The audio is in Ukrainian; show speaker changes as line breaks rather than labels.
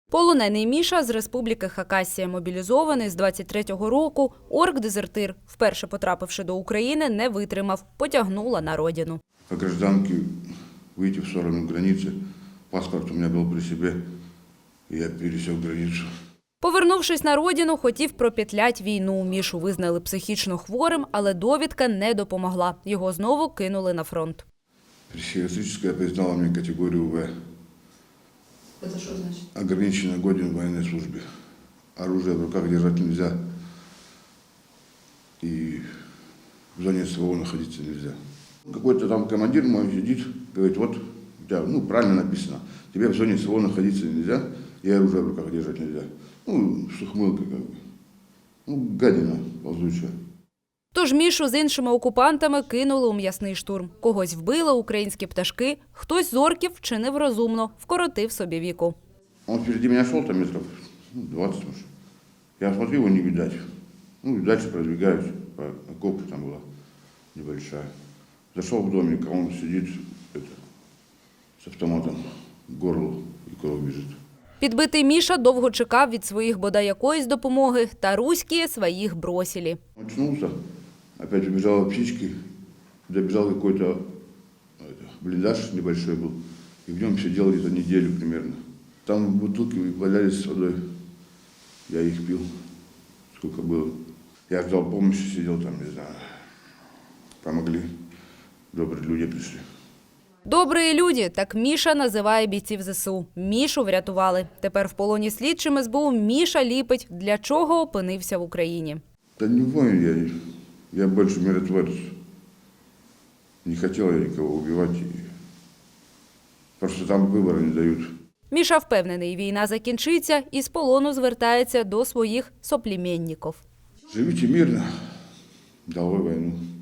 Полонений Міша з республіки Хакасія, мобілізований з 23-го року, орк-дезертир. Вперше потрапивши до України, не витримав, потягнула на родину.
Как гражданке выйти в сторону границы, паспорт у меня был при себе, и я пересек границу.
Повернувшись на родину, хотів пропетлять війну. Мішу визнали психічно хворим, але довідка не допомогла. Його знову кинули на фронт.
Психиатрическая признала мне категорию В.
Це що значить?
Ограниченно годен в военной службе. Оружие в руках держать нельзя. И в зоне СВО находиться нельзя. Какой-то там командир мой сидит, говорит, вот у тебя, правильно написано, тебе в зоне СВО находиться нельзя, и оружие в руках держать нельзя. С ухмылкой как бы. Гадина ползучая.
Тож Мішу з іншими окупантами кинули у м'ясний штурм. Когось вбили українські пташки, хтось з орків вчинив розумно, вкоротив собі віку.
Он впереди меня шел, там метров 20 уже. Я смотрю, его не видать. И дальше продвигаюсь, по окопу там была небольшая. Зашел в домик, а он сидит с автоматом к горлу, и кровь бежит.
Підбитий Міша довго чекав від своїх бодай якоїсь допомоги, та руські своїх бросили.
Очнулся, опять убежал птички, добежал какой-то блиндаж небольшой был, и в нем сидел где-то неделю примерно. Там бутылки валялись с водой, я их пил, сколько было. Я ждал помощи, сидел там, не знаю, помогли, добрые люди пришли.
Добрі люди, так Міша називає бійців ЗСУ. Мішу врятували. Тепер в полоні слідчим СБУ Міша ліпить, для чого опинився в Україні.
Да не воин я больше миротворец. Не хотел я никого убивать. Просто там выбора не дают.
Міша впевнений, війна закінчиться і з полону звертається до своїх соплеменників.
Живите мирно, долой войну.